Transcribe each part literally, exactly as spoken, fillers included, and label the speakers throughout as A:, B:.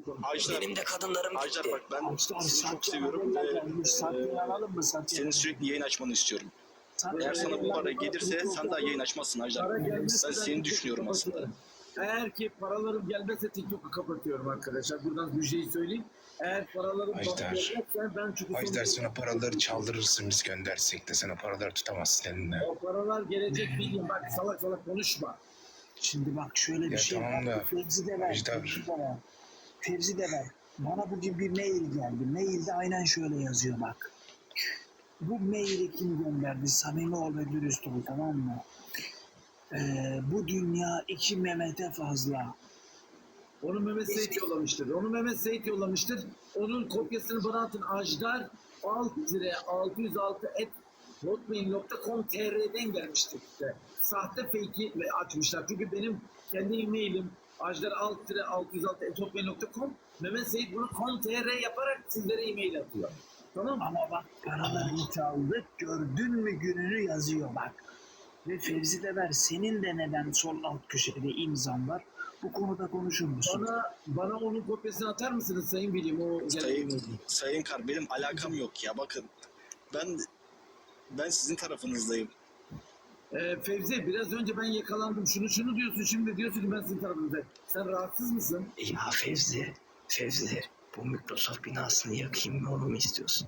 A: Ajdar,
B: Benim de kadınlarım
A: Ajdar
B: gitti.
A: bak ben
C: Ajdar,
A: seni çok
C: Satya
A: seviyorum ve
C: gelmiş. Satya'yı alalım mı
A: e,
C: Satya?
A: senin sürekli yayın açmanı istiyorum.
C: Satya
A: Eğer sana bu para
C: gelmiş.
A: gelirse sen daha yayın açmazsın Ajdar.
D: Para
A: Ben
D: gelmezse
A: seni düşünüyorum aslında.
D: Eğer ki paralarım gelmezse TikTok'u kapatıyorum arkadaşlar. Buradan bir şey söyleyeyim. Eğer paralarım
E: Ajdar.
D: gelmezse ben çünkü
E: Ajdar sana paraları çaldırırsın biz göndersek de sana paraları tutamazsın elinde.
D: o paralar gelecek bileyim. Bak salak salak konuşma.
C: Şimdi bak şöyle bir
E: Ya
C: şey
E: tamam
C: var.
E: da,
C: Fevzi de ver.
E: Ajdar.
C: Fevzi de ver. Fevzi de ver. Bana bugün bir mail geldi. Mailde aynen şöyle yazıyor bak. Bu maili kim gönderdi? Samimi ol ve dürüst ol, tamam mı? Ee, bu dünya iki Mehmet'e fazla.
D: Onu Mehmet Seyit yollamıştır. Onu Mehmet Seyit yollamıştır. Onun kopyasını bana atın. Ajdar alt altı yüz altı et hotmail nokta com nokta tr'den gelmiştir işte. Sahte fake'i ve açmışlar. Çünkü benim kendi e-mailim ajdar altı altı yüz altı et hotmail nokta com. Mehmet Seyit bunu .com.tr yaparak sizlere e-mail atıyor. Tamam mı?
C: Ama bak paralarını çaldık. Gördün mü gününü yazıyor bak. Ve Fevzi de ver. Senin de neden sol alt köşede imzan var? Bu konuda konuşur musun?
D: Bana, bana onun kopyasını atar mısınız Sayın Bilim? O
A: Sayın, Sayın Kar benim alakam yok ya bakın. Ben ben sizin tarafınızdayım.
D: Ee, Fevzi biraz önce ben yakalandım. Şunu şunu diyorsun, şimdi diyorsun ki ben sizin tarafınızdayım. Sen rahatsız mısın?
B: Ya Fevzi, Fevzi. Bu Microsoft binasını yakayım mı, onu mu istiyorsun?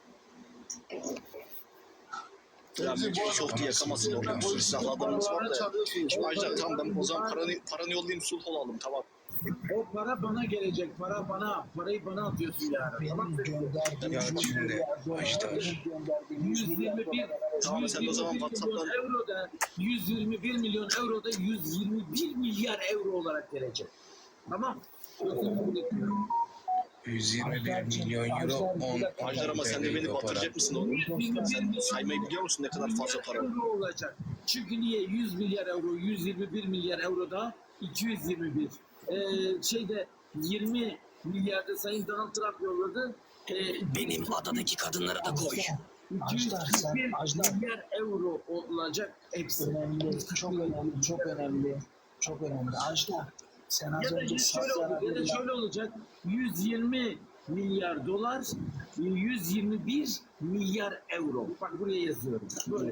A: Ya Microsoft'u yakamazsın oğlum. Silahlı adamımız var da. Şimdi Ajdar tamam ben o zaman paranı, paranı yollayayım sulh olalım tamam.
D: O para bana gelecek. Para bana. Parayı bana atıyorsun yani. Tamam mı?
C: Benim gönderdiğim
E: Ya
C: yüz
E: şimdi,
C: milyar dolar,
E: Ajdar.
C: benim gönderdiğim yüz
D: yüz
C: milyar
D: yirmi bir,
C: dolar.
A: Tamam, sen o zaman
D: yüz yirmi bir milyon
A: WhatsApp'tan-
D: euro da yüz yirmi bir milyon euro da yüz yirmi bir milyar euro olarak gelecek. Tamam.
E: yüz yirmi bir milyon euro on
A: Ajdar ama sen de beni batıracak mısın oğlum?
D: yüz yirmi bir
A: Sen saymayı biliyor musun ne kadar fazla para?
D: euro olacak. Çünkü niye? yüz milyar euro, yüz yirmi bir milyar euro da iki yüz yirmi bir. Ee, şeyde yirmi milyarda Sayın Donald Trump yolladı. Ee,
B: Benim adadaki kadınları da koy.
D: iki yüz
C: Ajdar, sen-
D: yirmi bir
C: Ajdar.
D: milyar euro olacak hepsi.
C: Önemli, çok önemli, çok önemli, çok önemli. Ajdar, sen az
D: Ya da
C: önce
D: şöyle
C: Satya'na
D: olacak, ya da şöyle olacak. yüz yirmi milyar dolar, yüz yirmi bir milyar euro. Bak buraya yazıyorum. Böyle.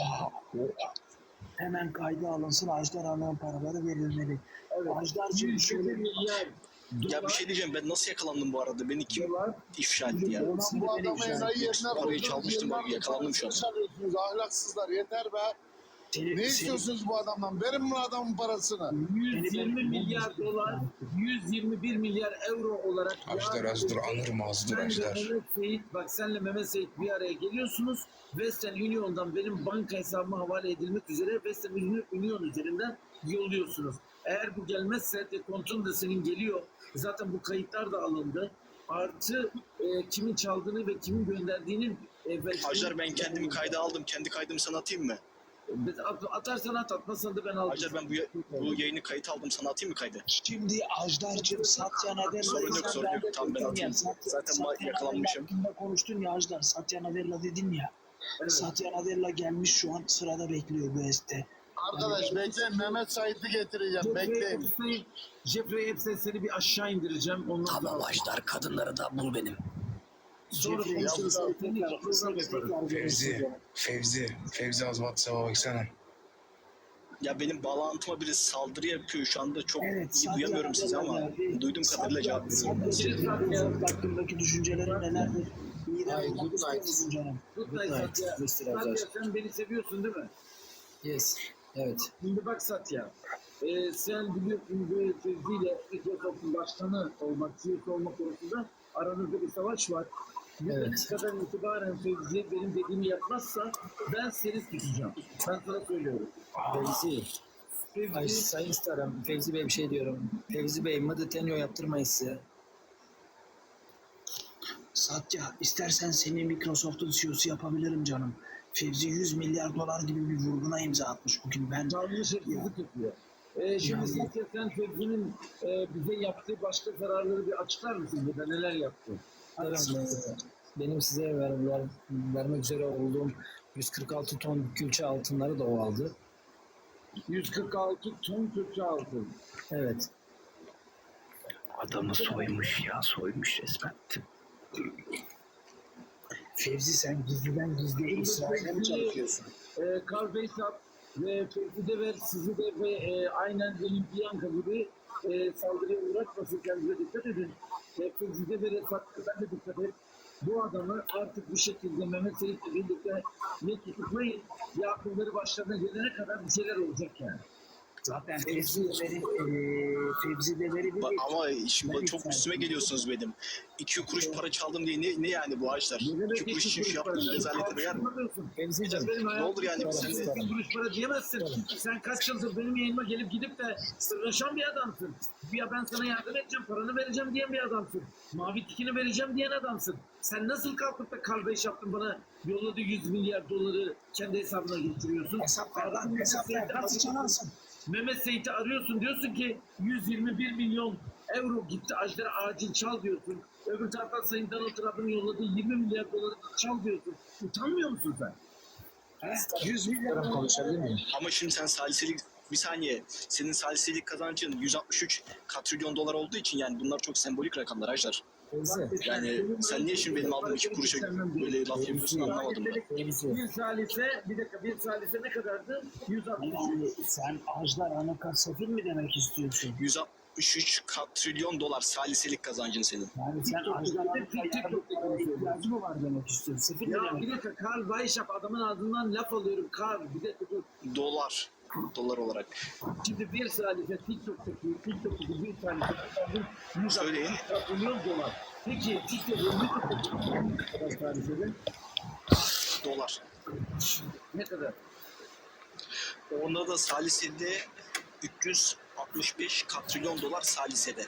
C: hemen kayda alınsın, Ajdar alınan paraları verilmeli.
D: Evet.
C: Ajdar'cığım
D: yüz yirmi
C: şöyle
D: milyar
A: Ya bir
D: dolar.
A: şey diyeceğim ben nasıl yakalandım bu arada? Beni kim
D: dolar.
A: ifşa etti ya?
C: Hepsini
F: Bu
C: ben
F: adamı
C: icra
F: enayi
C: ettim.
F: yerine
A: Parayı
F: koydunuz.
A: çalmıştım,
F: Yıllardır
A: yakalandım şu an.
F: parasını çalıyorsunuz, ahlaksızlar yeter be.
C: Seni-
F: Ne
C: seni-
F: istiyorsunuz bu adamdan? Verin bu adamın parasını.
D: yüz yirmi milyar dolar, yüz yirmi bir milyar euro olarak.
E: Ajdar az dur, anırma az dur
D: Senle
E: Ajdar.
D: Mehmet Seyit, bak senle Mehmet Seyit bir araya geliyorsunuz. Western Union'dan benim banka hesabıma havale edilmek üzere Western Union üzerinden yolluyorsunuz. Eğer bu gelmezse dekontun da senin geliyor. Zaten bu kayıtlar da alındı. Artı e, kimin çaldığını ve kimin gönderdiğinin e, ve-
A: Ajdar ben kendimi kayda aldım. Kendi kaydımı sana atayım mı?
D: At- atarsan at, atmazsan da ben aldım.
A: Ajdar ben bu, ya- bu yayını kayıt aldım sana atayım mı kaydı?
C: Şimdi Ajdar'cığım Satya Nadella...
A: Sorun yok, sorun yok. Tamam, ben atayım. Zaten ma- yakalanmışım.
C: hakkında konuştun ya Ajdar, Satya Nadella dedin ya.
D: Evet.
C: Satya Nadella gelmiş şu an sırada bekliyor bu este.
F: Arkadaş bekleyin, Mehmet Sait'i getireceğim.
D: Jeffrey
F: Bekleyin.
D: Epstein, Jeffrey Epstein seni bir aşağı indireceğim. Ondan
B: Tamam
D: sonra
B: Ajdar, kadınları da bul benim.
D: sonra
C: Jeffrey
D: konuşuruz.
C: Epstein'i
D: Seninle
C: tekrar-
D: program yaparız.
C: tekrar
E: Fevzi,
C: görüşürüz.
E: Fevzi, Fevzi az WhatsApp'a baksana.
A: Ya benim bağlantıma biri saldırı yapıyor şu anda çok
C: Evet,
A: iyi
C: Satya
A: duyamıyorum sizi
C: Nadella
A: ama
C: geldi.
A: duyduğum kadarıyla cevap veriyorum.
C: Satya'cığım hakkındaki düşüncelerin nelerdir? Mide
G: Hayır,
C: olmak
G: good
C: istiyor
G: night.
C: musun canım?
D: Good
G: Good
D: night
G: night,
D: Satya.
G: mister
D: Satya
G: Ajdar.
D: sen beni seviyorsun değil mi?
G: Yes. Evet.
D: Şimdi bak Satya. Ee, sen biliyorsun böyle Fevzi'yle Microsoft'un başkanı olmak, C E O olmak konusunda aranızda bir savaş var.
G: Evet.
D: Ne kadar itibaren Fevzi benim dediğimi yapmazsa ben seni tutacağım. Ben sana söylüyorum.
G: Fevzi. Ay,
D: Fevzi,
G: Sayın Starım, Fevzi Bey bir şey diyorum. Fevzi Bey, Mıdıtenyo yaptırmayız size.
C: Satya, istersen seni Microsoft'un C E O'su yapabilirim canım. Fevzi yüz milyar dolar gibi bir vurguna imza atmış bugün. Ben
D: canlı hırsızlık yapıyor. Ee, şimdi
C: Yani-
D: Satya sen Fevzi'nin e, bize yaptığı başka zararları bir açıklar mısın? Burada neler yaptı?
G: Starım, e, benim size ver, ver, vermek üzere olduğum yüz kırk altı ton külçe altınları da o aldı.
D: yüz kırk altı ton Türkçe altın.
G: Evet.
B: Adamı soymuş ya, soymuş resmen.
C: Fevzi sen gizliden gizliye İsrail'e mi çalışıyorsun?
D: e, Carl Beyshap ve Fevzi Dever sizi de ve e, aynen benim Bianca gibi e, saldırıya uğratmasın, kendinize dikkat edin. E, Fevzi Dever'e saklıdan da dikkat et. Bu adamı artık bir şekilde Mehmet Seyit'le birlikte ne tutuklayın ya akılları başlarına gelene kadar bir şeyler olacak yani.
C: Zaten Fevzi Dever'i e, Fevzi Dever'i bir
A: Ba- Ama şimdi çok üstüme geliyorsunuz benim. İki kuruş para çaldım diye ne, ne yani bu ağaçlar? İki kuruş için şu yaptığın rezalete değer mi?
G: Fevzi'cim.
A: Ne olur yani biz sen de...
D: İki kuruş para diyemezsin. Sen kaç yıldır benim yayınıma gelip gidip de sırlaşan bir adamsın. Ya ben sana yardım edeceğim, paranı vereceğim diyen bir adamsın. Mavi tikini vereceğim diyen adamsın. Sen nasıl kalkıp da kardeş yaptın bana yolladığı yüz milyar doları kendi hesabına getiriyorsun?
C: hesaplardan hesaplardan nasıl çalarsın?
D: Mehmet Seyit'i arıyorsun, diyorsun ki yüz yirmi bir milyon euro gitti Ajdar'a acil çal diyorsun. Öbür taraftan Sayın Donald Trump'ın yolladığı yirmi milyar doları çal diyorsun. Utanmıyor musun sen?
C: yüz milyar
G: Konuşabilir miyim?
A: Ama şimdi sen saliselik... Bir saniye. Senin saliselik kazancın yüz altmış üç katrilyon dolar olduğu için yani bunlar çok sembolik rakamlar Ajdar.
G: Fevzi.
A: Yani sen niye şimdi benim aldığım iki kuruşa böyle laf yapıyorsun anlamadım ben.
G: Fevzi.
D: Bir salise, bir dakika bir salise ne kadardı? yüz altmış.
C: Yani sen Ajdar Anakat Sefil mi demek istiyorsun?
A: yüz altmış üç katrilyon dolar saliselik kazancın senin.
C: Yani sen Ajdar Anakat'a ihtiyacı mı var demek istiyorsun? Sefil mi
D: Ya
C: demek?
D: bir dakika Karl Bayşap adamın ağzından laf alıyorum. Karl bir dakika dur.
A: Dolar. Dolar olarak.
D: Şimdi bir salise TikTok'taki TikTok'taki bir salise yüz
A: Söyleyin.
D: altmış milyon dolar. Peki TikTok'un YouTube'daki ne kadar salisede?
A: Dolar.
D: Ne kadar?
A: Onda da salisede üç yüz altmış beş katrilyon dolar salisede.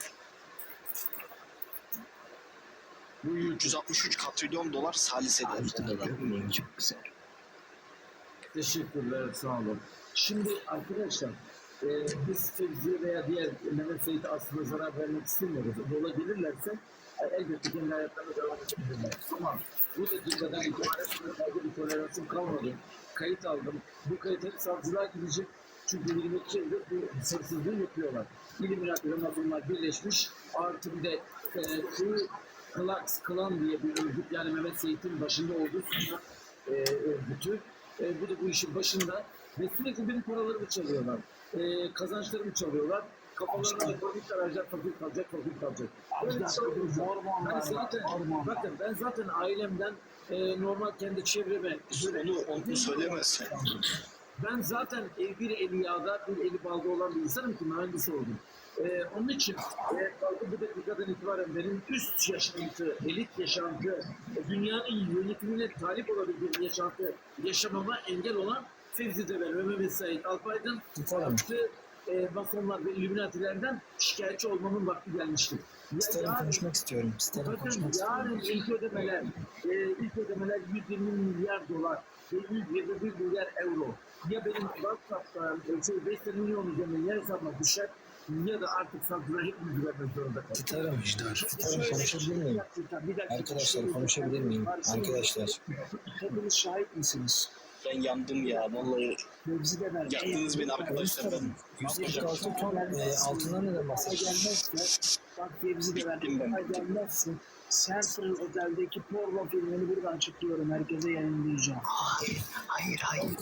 A: Bu üç yüz altmış üç katrilyon dolar salisede.
B: Ajdar'ı görmeyeyim, çok güzel.
D: Teşekkürler, sağ olun. Şimdi arkadaşlar, e, biz Fevzi'ye veya diğer Mehmet Seyit'e aslında zarar vermek istemiyoruz. Yola gelirlerse e, elbette kendi hayatlarına devam edebilirler. Ama bu dakikadan itibaren fazla bir toleransım kalmadı. Kayıt aldım. Bu kayıt hep savcılığa gidecek. Çünkü yirmi yıldır bu hırsızlığı yapıyorlar. İlluminati ve Masonlar birleşmiş. Artı bir de e, şu Klux Klan diye bir örgüt, yani Mehmet Seyit'in başında olduğu e, örgütü. E, bu da bu işin başında ve sürekli benim paralarımı çalıyorlar. E, kazançlarımı çalıyorlar. Kafalarına da fakir arayacak, fakir kalacak, fakir kalacak. Böyle bir şey olacak. Ben zaten, bakın ben zaten ailemden e, normal kendi çevreme
A: Onu, onu söylemezsin.
D: ben zaten e, bir eli yağda, bir eli balda olan bir insanım ki mühendis oldum. Ee, onun için e, kalkıp bu dakikadan itibaren benim üst yaşantı, elit yaşantı, e, dünyanın yönetimine talip olabildiğim yaşantı yaşamama engel olan Fevzi Dever ve Mehmet Said Alpaydın artı e, Masonlar ve İlluminatilerden şikayetçi olmamın vakti gelmiştir.
G: İsterim konuşmak istiyorum. İsterim
D: Bakın
G: konuşmak istiyorum.
D: yarın ilk ödemeler, e, ilk ödemeler yüz yirmi milyar dolar ve yüz yirmi bir milyar euro. Ya benim WhatsApp'tan e, şey beş milyon üzerinden yer hesabıma düşer ya da artık savcılar hepimiz vermek zorunda kalır.
G: Titarım. Titarım konuşabilir miyim?
C: Bir dakika.
G: Arkadaşlar konuşabilir miyim? Arkadaşlar.
C: Hepiniz şahit misiniz?
A: Ben yandım ya vallahi.
C: Fevzi Dever.
A: Yaktınız beni arkadaşlar. Ben
G: yüz kırk altı ton e, altından neden bahsediyorsun?
C: Gelmezse, bak Fevzi Dever,
A: Bittim ben.
C: ay gelmezse Central Otel'deki porno filmini buradan çıkıyorum. Herkese yayınlayacağım.
B: Hayır, hayır, hayır.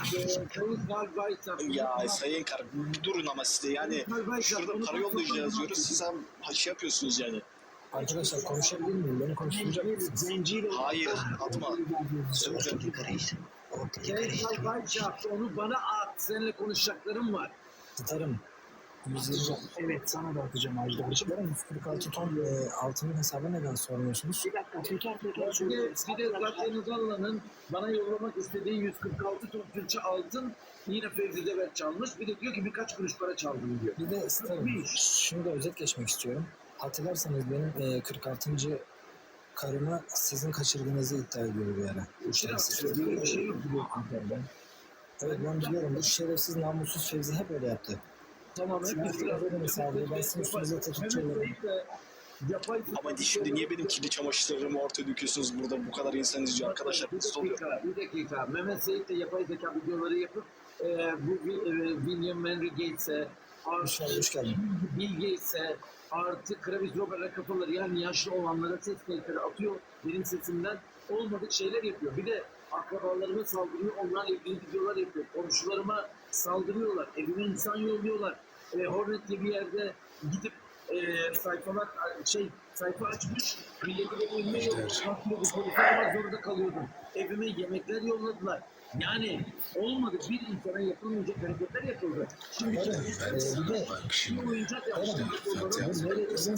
A: ya sayın kar durun ama size yani şurada para yollayacağız diyoruz. Siz hem şey yapıyorsunuz yani.
G: Arkadaşlar konuşabilir miyim? Beni konuşturacak mısınız?
C: Zenciyle
A: Hayır atma.
B: Ortaya karışsın. Ortaya karıştırma.
D: Onu bana at. Seninle konuşacaklarım var.
G: Titarım. yüz yirmi.
C: Evet, sana da atacağım Ajda.
G: Arkadaşlar yüz kırk altı ton e, altının hesabı neden sormuyorsunuz?
C: Bir dakika, teker teker
D: Bir de,
C: söylüyorum.
D: bir de zaten Uzanlı'nın bana yollamak istediği yüz kırk altı ton külçe altın yine Fevzi Dever çalmış. Bir de diyor ki birkaç kuruş para çaldım diyor.
G: Bir de isterim. Şunu da özet geçmek istiyorum. Hatırlarsanız benim e, kırk altıncı karımı sizin kaçırdığınızı iddia ediyor bir ara. Bu şerefsiz.
D: Böyle bir şey yok biliyorsun sen ben.
G: Evet ben biliyorum. Bu şerefsiz namussuz Fevzi hep öyle yaptı.
D: Tamam hep
G: Ben size öyle misafir. Ben sizin üstünüze tetikçi olurum.
A: Ama şimdi niye benim kirli çamaşırlarımı ortaya döküyorsunuz burada bu kadar insan izliyor arkadaşlar?
D: Bir
A: Nasıl oluyor?
D: dakika, bir dakika. Mehmet Seyit de yapay zeka videoları yapıp e, bu e, William Henry Gates'e
G: Hoş geldin, hoş geldin.
D: Bilge ise artı Kravis Robert kafaları yani yaşlı olanlara ses kayıtları atıyor benim sesimden. Olmadık şeyler yapıyor. Bir de akrabalarıma saldırıyor. Onlarla ilgili videolar yapıyor. Komşularıma saldırıyorlar. Evime insan yolluyorlar. E, Hornet diye bir yerde gidip e, sayfalar şey sayfa açmış. Milleti de evime yolladı. Kalkıyordu. Polise aramak zorunda kalıyordum. Evime yemekler yolladılar. Yani olmadı. Bir insana yapılmayacak hareketler yapıldı. Şimdi
G: Ee, bir de
D: bir oyuncak yapmışlar.
E: Zaten
G: nereye